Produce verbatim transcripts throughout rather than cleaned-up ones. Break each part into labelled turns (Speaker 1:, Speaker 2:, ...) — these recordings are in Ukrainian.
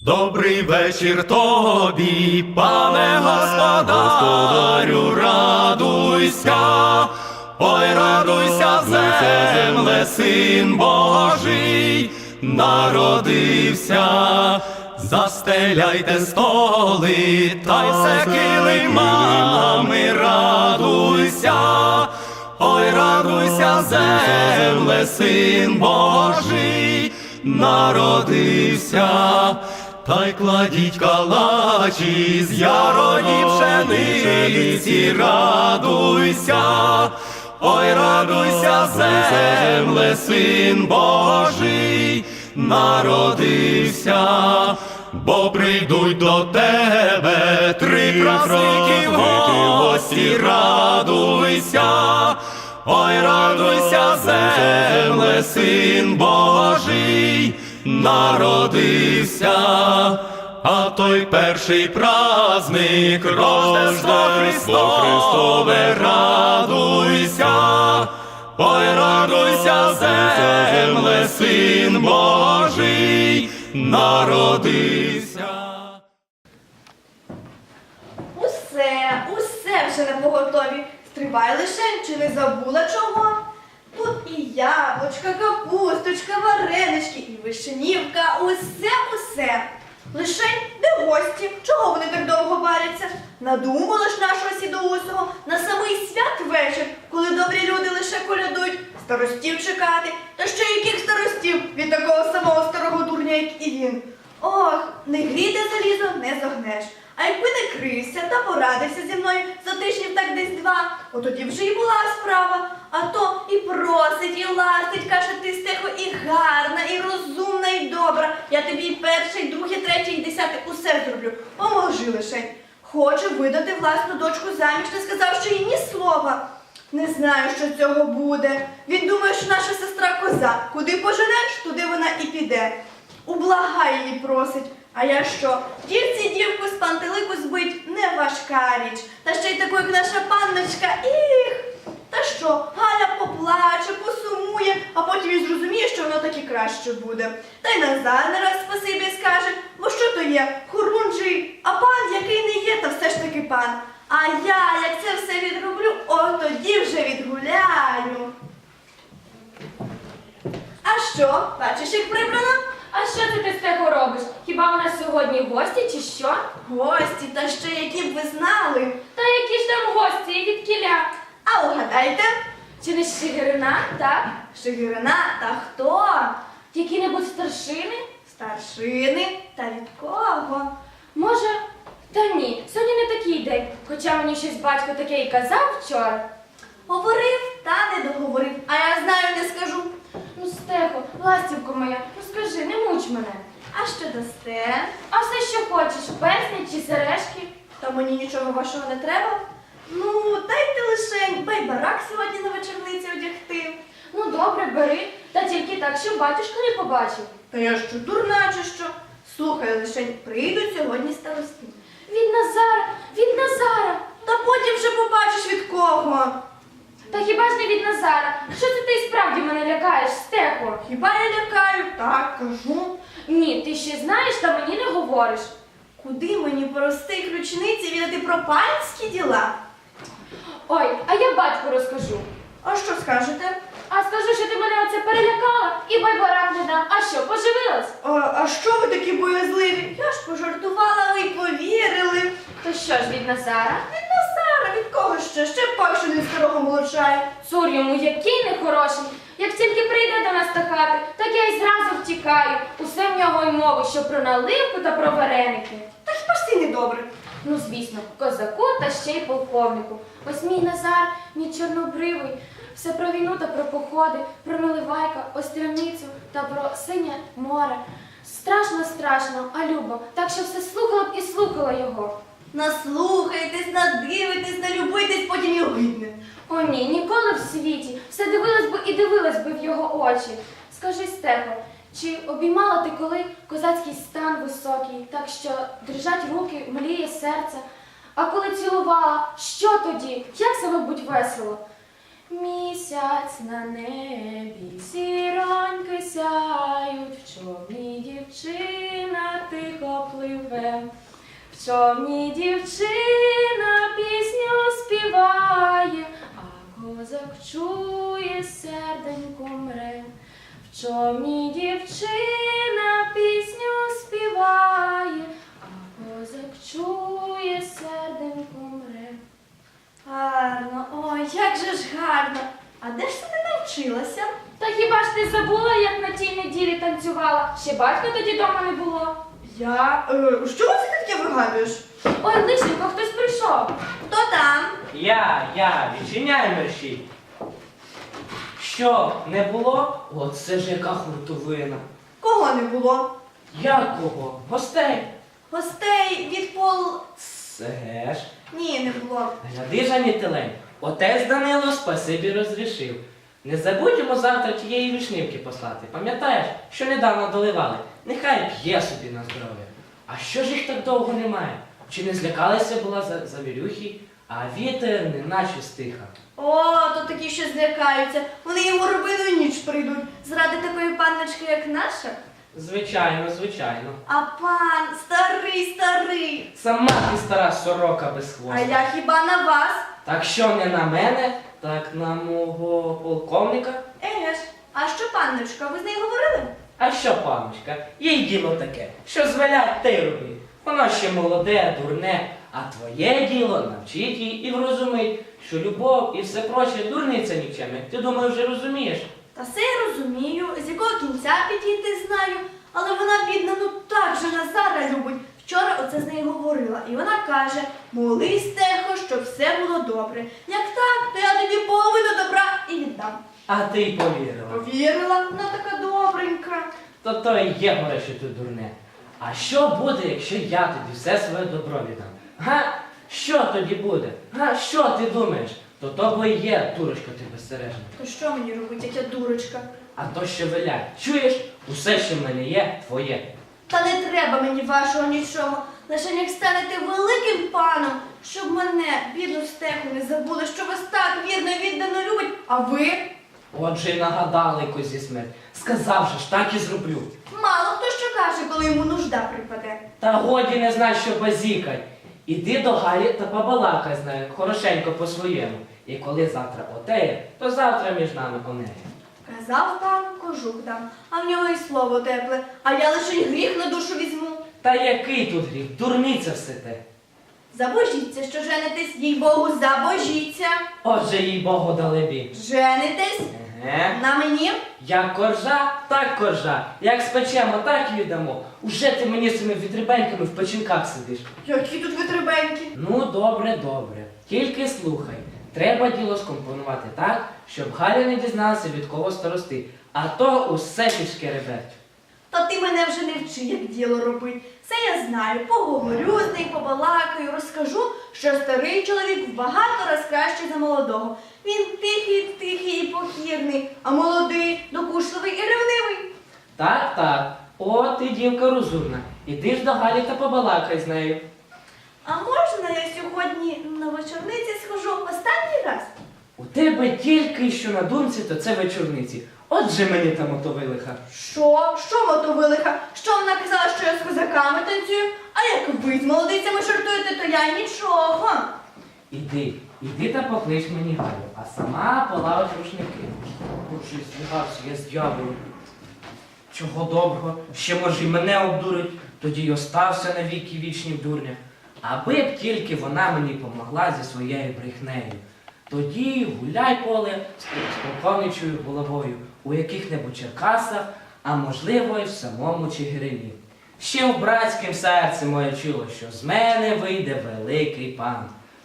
Speaker 1: Добрий вечір тобі, пане господарю, радуйся, ой, радуйся, земле, син Божий народився. Застеляйте столи, та й все килимами, радуйся, ой, радуйся, земле, син Божий народився. Та й кладіть калачі з ярої пшениці, радуйся, ой, радуйся, земле, син Божий народився. Бо прийдуть до тебе три праздники в гості, радуйся, ой, радуйся, земле, син Божий народився. А той перший праздник Рождество Христове, радуйся, ой, радуйся, земле, син Божий народився.
Speaker 2: Усе, усе вже на поготові. Стривай лишень, чи не забула чого? Тут і яблучка, капусточка, варенички, і вишенівка, усе-усе. Лишень, де гості? Чого вони так довго варяться? Надумала ж нашого сідоусого на самий святвечір, коли добрі люди лише колядують, старостів чекати. Та ще яких старостів від такого самого старого дурня, як і він. Ох, не гріте залізо, не зогнеш. А якби не крився та порадився зі мною за тижнів так десь два, от тоді вже і була справа. А то і просить, і ластить, каже, ти, Стехо, і гарна, і розумна, і добра. Я тобі і перше, і друге, третє, і десяте усе зроблю. Поможи лишень. Хоче видати власну дочку заміж, не сказавши їй ні слова. Не знаю, що цього буде. Він думає, що наша сестра коза. Куди поженеш, туди вона і піде. Ублагай її просить. А я що? Дівці дівку з пантелику збить не важка річ. Та ще й таку, як наша панночка, їх! Та що, Галя поплаче, посумує, а потім і зрозуміє, що воно так і краще буде. Та й Назар не раз спасибі скаже, бо що то є, хорунжий, а пан, який не є, та все ж таки пан. А я, як це все відроблю, от тоді вже відгуляю. А що, бачиш, як прибрано?
Speaker 3: А що це ти, Стехо, робиш? Хіба у нас сьогодні гості чи що?
Speaker 2: Гості, та ще які б ви знали.
Speaker 3: Та які ж там гості і від кіля?
Speaker 2: А угадайте,
Speaker 3: Чи не з Чигирина, так?
Speaker 2: Шигирина та хто?
Speaker 3: Які-небудь старшини?
Speaker 2: Старшини та від кого?
Speaker 3: Може, та ні, сьогодні не такий день, хоча мені щось батько таке і казав вчора.
Speaker 2: Говорив, та не договорив, а я знаю, не скажу.
Speaker 3: Ну, Стехо, ластівко моя, ну скажи, не муч мене.
Speaker 2: А що дасте?
Speaker 3: А все, що хочеш, персні чи сережки?
Speaker 2: Та мені нічого вашого не треба? Ну, дайте лишень байбарак сьогодні на вечорниці одягти.
Speaker 3: Ну, добре, бери, та тільки так, щоб батюшка не побачив.
Speaker 2: Та я що, дурна чи що? Слухай лишень, прийдуть сьогодні старости.
Speaker 3: Від Назара, від Назара.
Speaker 2: Та потім вже побачиш від кого.
Speaker 3: Та хіба ж не від Назара? Що це ти і справді мене лякаєш, Стехо?
Speaker 2: Хіба я лякаю? Так, кажу.
Speaker 3: Ні, ти ще знаєш, та мені не говориш.
Speaker 2: Куди мені по простих ручниці відати про панські діла?
Speaker 3: Ой, а я батьку розкажу.
Speaker 2: А що скажете?
Speaker 3: А скажу, що ти мене оце перелякала і байбарак не дам. А що, поживилась?
Speaker 2: А, а що ви такі боязливі? Я ж пожартувала, ви й повірили.
Speaker 3: То що ж від Назара?
Speaker 2: Від Назара, від кого ще? Ще пак, що не старого молодшає.
Speaker 3: Цур йому який нехороший. Як тільки прийде до нас до хати, так я й зразу втікаю. Усе в нього й мови, що про наливку та про вареники.
Speaker 2: Та хіба ж ти недобре?
Speaker 3: Ну, звісно, козаку та ще й полковнику. Ось мій Назар, мій чорнобривий. Все про війну та про походи, про Наливайка, Острівницю та про синє море. Страшно, страшно, а любо, так що все слухала б і слухала його.
Speaker 2: Наслухайтесь, надивитесь, налюбитесь, потім і огидне.
Speaker 3: О ні, ніколи в світі. Все дивилась би і дивилась би в його очі. Скажи, Стехо, чи обіймала ти коли козацький стан високий, так що дрижать руки, мліє серце? А коли цілувала, що тоді? Як себе будь весело? Місяць на небі, зіроньки сяють, в човні дівчина тихо човні дівчина пісню співає, а козак чує, серденько мре. В човні дівчина пісню співає, а козак чує, серденько мре.
Speaker 2: Гарно, ой, як же ж гарно. А де ж ти не навчилася?
Speaker 3: Та хіба ж ти забула, як на тій неділі танцювала? Ще батька тоді дома не було.
Speaker 2: Я. Е, що це ти таке вигадуєш?
Speaker 3: Ой, лишенько, хтось прийшов.
Speaker 2: Хто там?
Speaker 4: Я, я, відчиняй мерщій. Що, не було? Оце ж яка хуртовина.
Speaker 2: Кого не було?
Speaker 4: Як кого? Гостей.
Speaker 2: Гостей від пол.
Speaker 4: Це ж.
Speaker 2: Ні, не було.
Speaker 4: Гляди, Жанітилень, отець Данило спасибі розрішив. Не забудь йому завтра тієї вишнівки послати. Пам'ятаєш, що недавно доливали? Нехай п'є собі на здоров'я. А що ж їх так довго немає? Чи не злякалися була за, завірюхи, а вітер неначе стиха?
Speaker 2: О, то такі, що злякаються. Вони йому робили ніч прийдуть. Заради такої панночки, як наша.
Speaker 4: Звичайно, звичайно.
Speaker 2: А пан старий, старий.
Speaker 4: Сама ти стара сорока без
Speaker 2: А
Speaker 4: хвоста.
Speaker 2: я хіба на вас?
Speaker 4: Так що не на мене, так на мого полковника.
Speaker 2: Еге ж, а що панночка, ви з нею говорили?
Speaker 4: А що, паночка, їй діло таке, що звелять, те й роби. Воно ще молоде, дурне, а твоє діло навчить її і врозумить, що любов і все проче дурниця нікчемна. Ти думаю, вже розумієш?
Speaker 2: Та все я розумію, з якого кінця підійти знаю, але вона, бідна, ну так же Назара любить. Вчора оце з нею говорила, і вона каже: молись, Техо, щоб все було добре. Як так, то я тобі половину добра і віддам.
Speaker 4: А ти й повірила.
Speaker 2: Повірила, вона така добренька.
Speaker 4: То то і є горе, що ти дурне. А що буде, якщо я тобі все своє добро віддам? Га? Що тоді буде? Га? Що ти думаєш? То то бо і є, дурочка ти безсережна.
Speaker 2: То що мені робить, як я дурочка?
Speaker 4: А то що велять. Чуєш? Усе, що в мене є, твоє.
Speaker 2: Та не треба мені вашого нічого. Лише як станете великим паном, щоб мене, бідну стеху, не забули, що вас так вірно і віддано любить, а ви?
Speaker 4: Отже, й нагадали козі смерть. Сказав же ж, так і зроблю.
Speaker 2: Мало хто що каже, коли йому нужда припаде.
Speaker 4: Та годі не знай, що базікать. Іди до Галі та побалакай з нею, хорошенько по-своєму. І коли завтра отеє, то завтра між нами онеє.
Speaker 2: Казав пан, кожух дам, а в нього і слово тепле, а я лише й гріх на душу візьму.
Speaker 4: Та який тут гріх? Дурниця все те.
Speaker 2: Забожіться, що женитесь, їй Богу, забожіться.
Speaker 4: Отже, їй Богу далебі.
Speaker 2: Женитесь
Speaker 4: Еге.
Speaker 2: на мені.
Speaker 4: Як коржа, так коржа. Як спечемо, так і віддамо. Уже ти мені з цими вітрибеньками в печінках сидиш.
Speaker 2: Які тут витребеньки.
Speaker 4: Ну, добре, добре. Тільки слухай. Треба діло скомпонувати так, щоб Галя не дізналася, від кого старости. А то усе пішки реберть.
Speaker 2: Та ти мене вже не вчи, як діло робить. Це я знаю. Поговорю з нею, побалакаю, розкажу, що старий чоловік в багато раз кращий за молодого. Він тихий, тихий і покірний, а молодий, докушливий і ревнивий.
Speaker 4: Так, так. О, ти дівка розумна. Іди ж до Галі та побалакай з нею.
Speaker 2: А можна я сьогодні на вечорниці схожу останній раз?
Speaker 4: У тебе тільки що на думці, то це вечорниці. Отже мені там отовилиха.
Speaker 2: Що? Що мотовилиха? Що вона казала, що я з козаками танцюю? А як ви з молодицями жартуєте, то я й нічого.
Speaker 4: Іди, іди та поклич мені Галю, а сама полавиш рушники. Боже, злягався я з дьяволом. Чого доброго, ще може й мене обдурить, тоді й остався на віки вічні в дурнях. Аби б тільки вона мені помогла зі своєю брехнею. Тоді гуляй поле з полковничою головою у яких-небудь Черкасах, а можливо й в самому Чигирині. Ще в братськім серці моє чуло, що з мене вийде великий пан.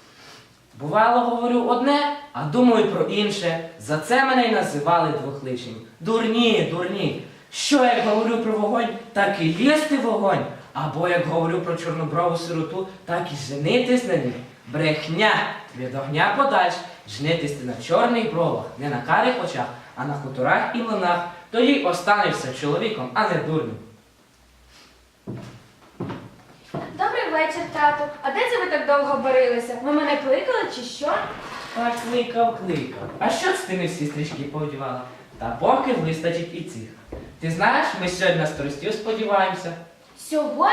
Speaker 4: Бувало, говорю одне, а думаю про інше. За це мене й називали двохличнім. Дурні, дурні. Що як говорю про вогонь, так і лізти в вогонь. Або як говорю про чорноброву сироту, так і женитись на ній. Брехня! Від огня подальш. Женитись ти на чорних бровах, не на карих очах, а на хуторах і млинах. Тоді останешся чоловіком, а не дурним.
Speaker 3: Добрий вечір, тату. А де це ви так довго барилися? Ви мене кликали чи що?
Speaker 4: Так кликав, кликав. А що це ти не всі стрічки повдівала? Та поки вистачить і цих. Ти знаєш, ми сьогодні на старостів сподіваємося.
Speaker 3: Сьогодні?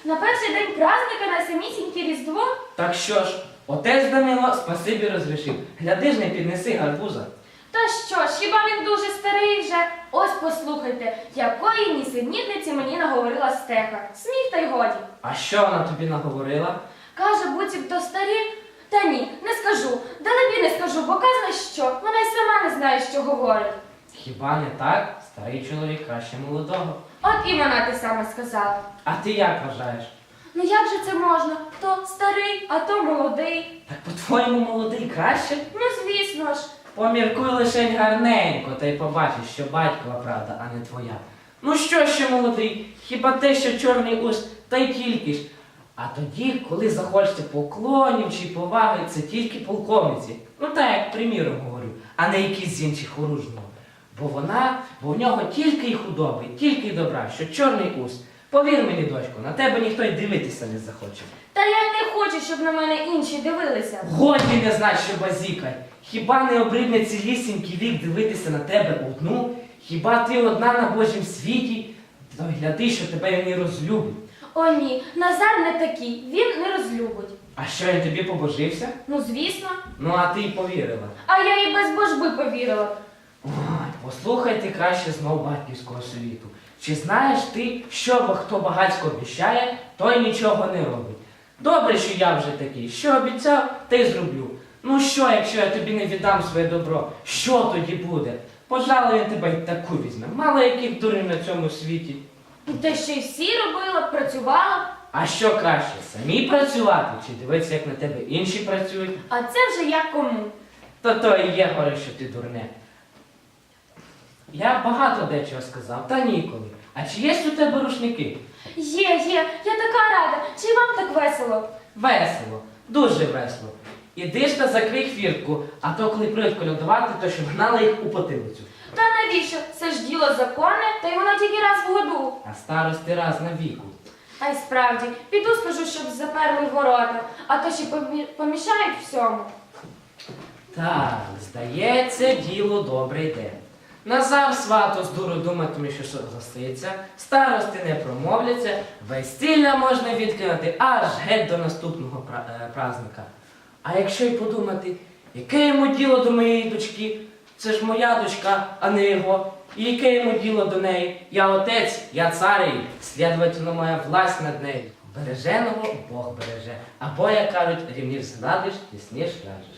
Speaker 3: На перший день праздника на самісіньке Різдво?
Speaker 4: Так що ж, отець Данило спасибі розрішив. Гляди ж, не піднеси гарбуза.
Speaker 3: Та що ж, хіба він дуже старий вже? Ось послухайте, якої нісенітниці мені наговорила стеха. Сміх та й годі.
Speaker 4: А що вона тобі наговорила?
Speaker 3: Каже, буцімто старі. Та ні, не скажу. Далебі не скажу, бо казна що. Вона й сама не знає, що говорить.
Speaker 4: Хіба не так? Старий чоловік краще молодого.
Speaker 3: От і вона те саме сказала.
Speaker 4: А ти як вважаєш?
Speaker 3: Ну як же це можна? То старий, а то молодий.
Speaker 4: Так по-твоєму молодий краще?
Speaker 3: Ну звісно ж.
Speaker 4: Поміркуй лишень гарненько, та й побачиш, що батькова правда, а не твоя. Ну що ще молодий? Хіба те, що чорний ус, та й тільки ж. А тоді, коли захочете поклонів чи поваги, це тільки полковниці. Ну так, як приміром говорю, а не якісь з інших оружного. Бо вона, бо в нього тільки й худоби, тільки й добра, що чорний ус. Повір мені, дочко, на тебе ніхто й дивитися не захоче.
Speaker 3: Та я й не хочу, щоб на мене інші дивилися.
Speaker 4: Годі не знать, що базікай. Хіба не обридне цілісінький вік дивитися на тебе одну? Хіба ти одна на Божім світі? То гляди, що тебе він і розлюбить.
Speaker 3: О ні, Назар не такий, він не розлюбить.
Speaker 4: А що, він тобі побожився?
Speaker 3: Ну звісно.
Speaker 4: Ну, а ти й повірила.
Speaker 3: А я і без божби повірила.
Speaker 4: Ой, послухай ти краще знов батьківського совіту. Чи знаєш ти, що бо хто багацько обіщає, той нічого не робить? Добре, що я вже такий. Що обіцяв, те й зроблю. Ну що, якщо я тобі не віддам своє добро, що тоді буде? Пожалуй, я тебе й таку візьме. Мало яких дурів на цьому світі.
Speaker 3: Та ще й всі робила, працювала.
Speaker 4: А що краще, самі працювати, чи дивитися, як на тебе інші працюють?
Speaker 3: А це вже як кому.
Speaker 4: То то і є горе, що ти дурне. Я багато дечого сказав, та ніколи. А чи є у тебе рушники?
Speaker 3: Є, є, я така рада. Чи вам так весело?
Speaker 4: Весело, дуже весело. Іди ж та закрий хвіртку, а то коли прийдуть колядувати, то щоб гнали їх у потилицю.
Speaker 3: Та навіщо? Це ж діло законне, та й воно тільки раз в году.
Speaker 4: А старости раз на віку.
Speaker 3: А й справді, піду скажу, щоб заперли ворота, а то ще помі- помішають всьому.
Speaker 4: Так, здається, діло добре йде. Назар свато з дуру думатиме, що що застається, старости не промовляться, весілля можна відкинути аж геть до наступного пра- е, праздника. А якщо й подумати, яке йому діло до моєї дочки? Це ж моя дочка, а не його. І яке йому діло до неї? Я отець, я цар її, слідовательно моя власть над нею. Береженого Бог береже. Або, як кажуть, рівнів згладиш, тісніш ляжеш.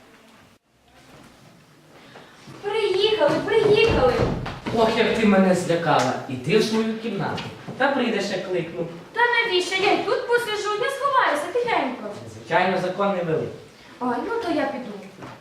Speaker 3: Приїхали, приїхали.
Speaker 4: Ох, як ти мене злякала. Іди в свою кімнату. Та прийдеш, як кликну.
Speaker 3: Та навіщо? Я й тут посижу, я сховаюся тихенько.
Speaker 4: Звичайно, закон не великий.
Speaker 3: Ой, ну то я піду.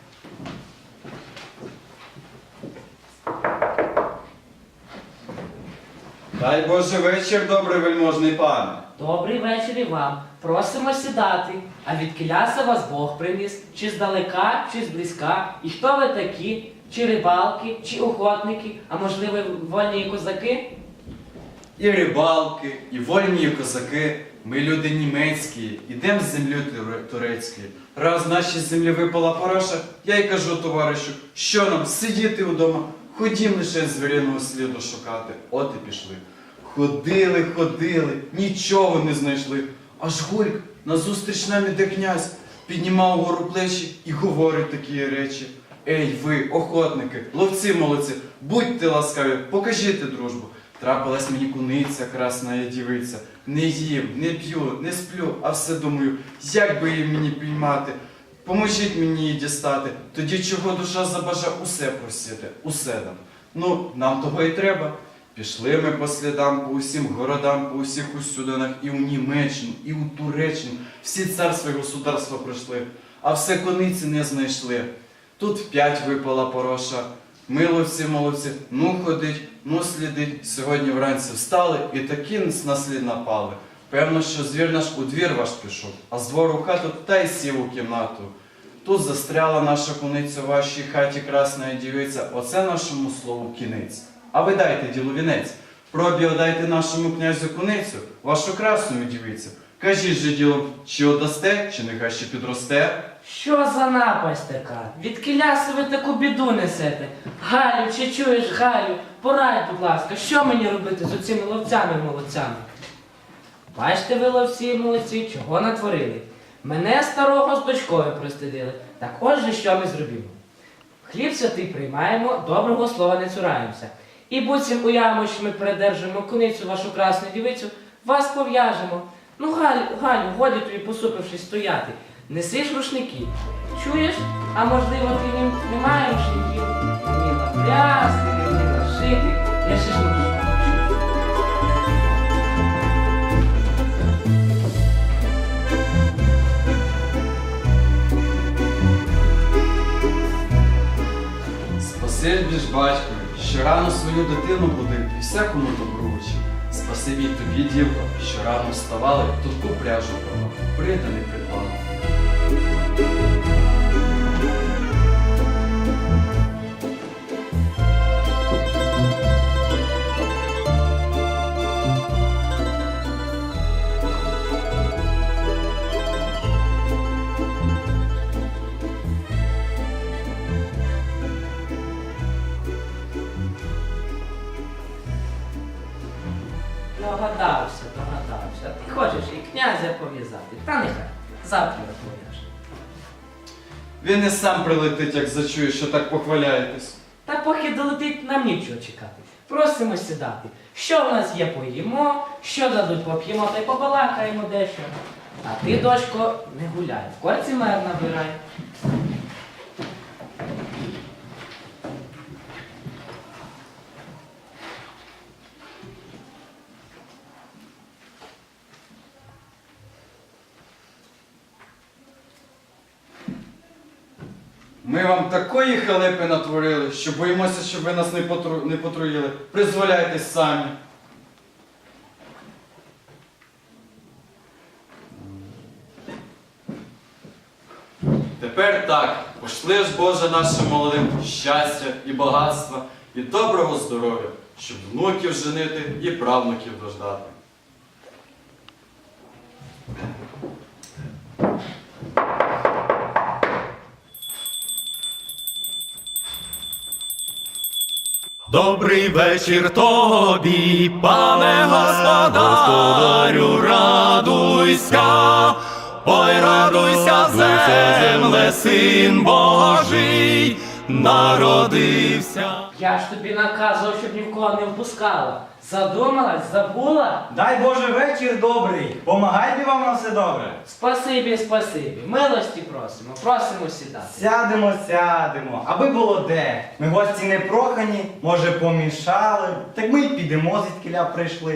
Speaker 1: Дай Боже вечір, добрий вельможний пане.
Speaker 4: Добрий вечір і вам. Просимо сідати. А від кіляса вас Бог приніс? Чи здалека, чи зблизька? І хто ви такі? Чи рибалки, чи охотники, а можливо вольні козаки?
Speaker 1: І рибалки, і вольні козаки. Ми люди німецькі, ідем з землі туре- турецької. Раз нашій землі випала пороша, я й кажу товаришу, що нам сидіти вдома, ходім лише звіряного сліду шукати. От і пішли. Ходили, ходили, нічого не знайшли. Аж гульк назустріч нам іде князь, піднімав гору плечі і говорить такі речі. Ей, ви, охотники, ловці молодці, будьте ласкаві, покажіть дружбу. Трапилась мені куниця, красна дівиця. Не їм, не п'ю, не сплю, а все думаю, як би її мені піймати. Поможіть мені її дістати, тоді чого душа забажа, усе просити, усе дам. Ну, нам того і треба. Пішли ми по слідам, по усім городам, по усіх усюдинах, і у Німеччину, і у Туреччину. Всі царства і государства пройшли, а все кониці не знайшли. Тут вп'ять випала пороша. Миловці, молодці, ну ходить, ну слідить. Сьогодні вранці встали і таки на слід напали. Певно, що звір наш у двір ваш пішов, а з двору в хату та й сів у кімнату. Тут застряла наша куниця в вашій хаті, красна дівиця, оце нашому слову кінець. А ви дайте ділу вінець, пробі дайте нашому князю куницю, вашу красну дівицю. Кажіть же діло, чи одасте, чи нехай ще підросте.
Speaker 4: Що за напасть така? Від кіляси ви таку біду несете? Галю, чи чуєш, Галю? Порадь, будь ласка, що мені робити з оцими ловцями-молодцями? Бачите, ви ловці молодці, чого натворили. Мене старого з дочкою пристидили. Так отже, що ми зробимо? Хліб святий приймаємо, доброго слова не цураємося. І буцім уявимо, що ми передержимо куницю вашу красну дівицю, вас пов'яжемо. Ну, Галю, Галю, годі тобі посупившись стояти. Неси ж рушники. Чуєш? А можливо, ти не, немає рушників? Не вміла плясти, не вміла шити. Я ще ж можу.
Speaker 1: Спасибі ж батькові, що рано свою дитину будив і всякому добру учив. Спасибі й тобі, дівко, що рано вставали, тут пряжу брала, прида не придбала.
Speaker 4: Догадався, догадався. Ти хочеш і князя пов'язати. Та нехай, завтра пов'яж.
Speaker 1: Він і сам прилетить, як зачує, що так похваляєтесь.
Speaker 4: Та поки долетить, нам нічого чекати. Просимо сідати. Що в нас є, поїмо, що дадуть, поп'ємо та й побалакаємо дещо. А ти, дочко, не гуляй, в корці мер набирай.
Speaker 1: Ми вам такої халепи натворили, що боїмося, щоб ви нас не, потру... не потруїли. Призволяйтесь самі. Тепер так, пошли ж, Боже, нашим молодим щастя і багатства, і доброго здоров'я, щоб внуків женити і правнуків дождати.
Speaker 5: Добрий вечір тобі, пане господарю, радуйся, ой, радуйся, земле, син Божий народився.
Speaker 4: Я ж тобі наказував, щоб ні в кого не впускала. Задумалась, забула?
Speaker 6: Дай Боже вечір добрий, помагайте вам на все добре.
Speaker 4: Спасибі, спасибі. Милості просимо, просимо сідати.
Speaker 6: Сядемо, сядемо, аби було де. Ми гості не прохані, може помішали, так ми й підемо, звідкіля прийшли.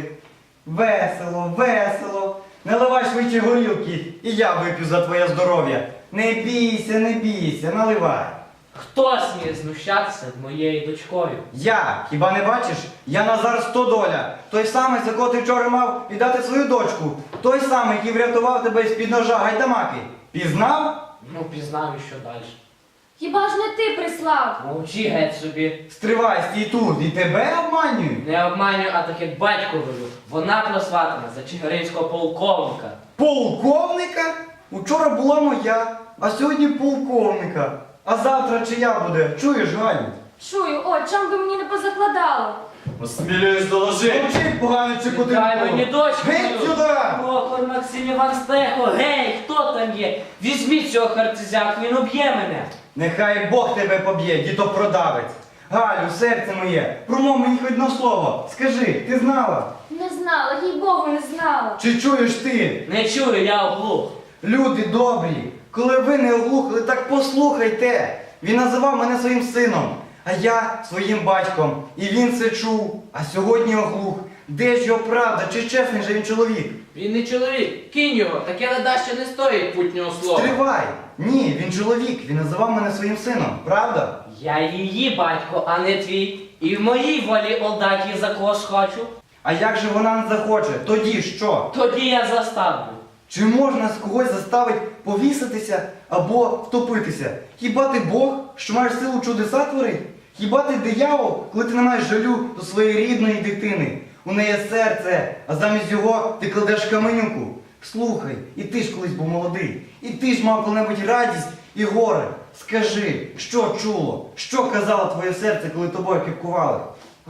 Speaker 6: Весело, весело. Наливай швидше горілки, і я вип'ю за твоє здоров'я. Не бійся, не бійся, наливай.
Speaker 4: Хто сміє знущатися над моєю дочкою?
Speaker 6: Я, хіба не бачиш? Я Назар Стодоля, той самий, за кого ти вчора мав віддати свою дочку. Той самий, який врятував тебе з-під ножа Гайдамаки. Пізнав?
Speaker 4: Ну, пізнав і що далі.
Speaker 3: Хіба ж не ти прислав?
Speaker 4: Мовчи геть собі.
Speaker 6: Стривай, стій тут, і тебе обманюють.
Speaker 4: Не обманюю, а так як батько говорю. Вона просватана за чигиринського полковника.
Speaker 6: Полковника? Учора була моя, а сьогодні полковника. А завтра чия буде? Чуєш, Галю?
Speaker 3: Чую, о, чом би мені не позакладало?
Speaker 1: Осмілююсь доложити.
Speaker 6: Мовчи, поганий чи
Speaker 4: Дай мені дочку
Speaker 6: Геть
Speaker 4: мою.
Speaker 6: сюди!
Speaker 4: Прохор Максим Іван Стехо, гей, хто там є? Візьміть цього харцизяку, він уб'є мене.
Speaker 6: Нехай Бог тебе поб'є, дідопродавець. Галю, серце моє, промов мені хоч одне слово. Скажи, ти знала?
Speaker 3: Не знала, їй Богу, не знала.
Speaker 6: Чи чуєш ти?
Speaker 4: Не чую, я оглух.
Speaker 6: Люди добрі, коли ви не оглухли, так послухайте. Він називав мене своїм сином, а я своїм батьком. І він це чув, а сьогодні оглух. Де ж його правда, чи чесний же він чоловік?
Speaker 7: Він не чоловік, кинь його, таке ледаще не стоїть путнього слова.
Speaker 6: Стривай! Ні, він чоловік, він називав мене своїм сином, правда?
Speaker 4: Я її батько, а не твій. І в моїй волі отдать її за кого схочу.
Speaker 6: А як же вона не захоче? Тоді що?
Speaker 4: Тоді я заставлю.
Speaker 6: Чи можна з когось заставити повіситися або втопитися? Хіба ти Бог, що маєш силу чудеса творити? Хіба ти диявол, коли ти не маєш жалю до своєї рідної дитини? У неї серце, а замість його ти кладеш каменюку. Слухай, і ти ж колись був молодий, і ти ж мав коли-небудь радість і горе. Скажи, що чуло, що казало твоє серце, коли тобою кипкували?
Speaker 4: Го,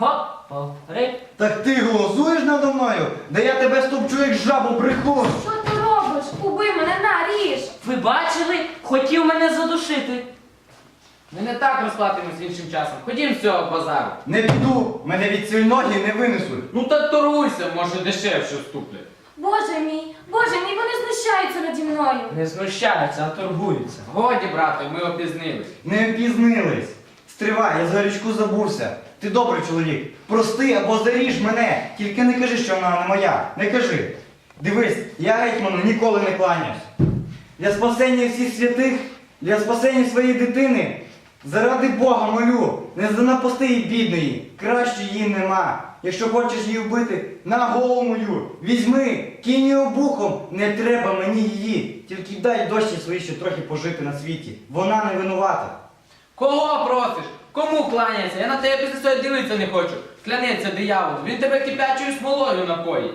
Speaker 4: Повтори.
Speaker 6: Так ти голосуєш надо мною? Да я тебе стопчу, як жабу брехун.
Speaker 3: Що ти робиш? Убий мене, на, ріж!
Speaker 4: Ви бачили? Хотів мене задушити.
Speaker 7: Ми не так розплатимось іншим часом. Ходім з цього базару.
Speaker 6: Не піду, мене від цієї ноги не винесуть.
Speaker 7: Ну так торгуйся, може дешевше вступлять.
Speaker 3: Боже мій, Боже мій, вони знущаються наді мною.
Speaker 4: Не знущаються, а торгуються.
Speaker 7: Годі, брате, ми опізнились.
Speaker 6: Не впізнились. Стривай, я за річку забувся. Ти добрий чоловік. Прости або заріж мене. Тільки не кажи, що вона не моя. Не кажи. Дивись, я гетьману ніколи не кланяюсь. Для спасення всіх святих, для спасення своєї дитини. Заради Бога молю, не занапасти її бідної. Краще її нема. Якщо хочеш її вбити, на голову мою. Візьми, кинь її обухом. Не треба мені її. Тільки дай дощі свої ще трохи пожити на світі. Вона не винувата.
Speaker 7: Кого просиш? Кому кланяється? Я на тебе після цього дивитися не хочу. Клянеться диявол, він тебе кипячою смолою напоїть.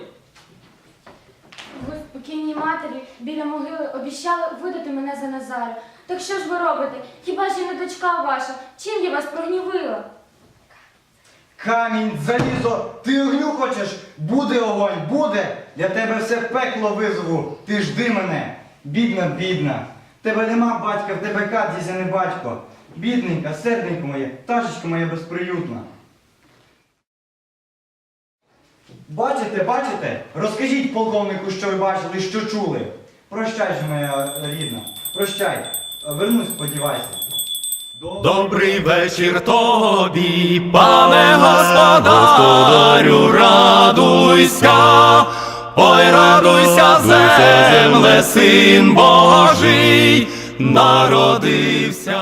Speaker 3: Ви покійній матері біля могили обіщали видати мене за Назаря. Так що ж ви робите? Хіба ж я не дочка ваша? Чим я вас прогнівила?
Speaker 6: Камінь, залізо, ти огню хочеш? Буде огонь, буде! Для тебе все пекло визову, ти жди мене. Бідна, бідна. Тебе нема батька, в тебе кат, дідя не батько. Бідненька, серденько моє, пташечко моя безприютна. Бачите, бачите? Розкажіть полковнику, що ви бачили, що чули. Прощай же, моя рідна, прощай. Вернусь, сподівайся.
Speaker 5: Добрий вечір тобі, пане господарю, радуйся, ой, радуйся, земле, син Божий, народився.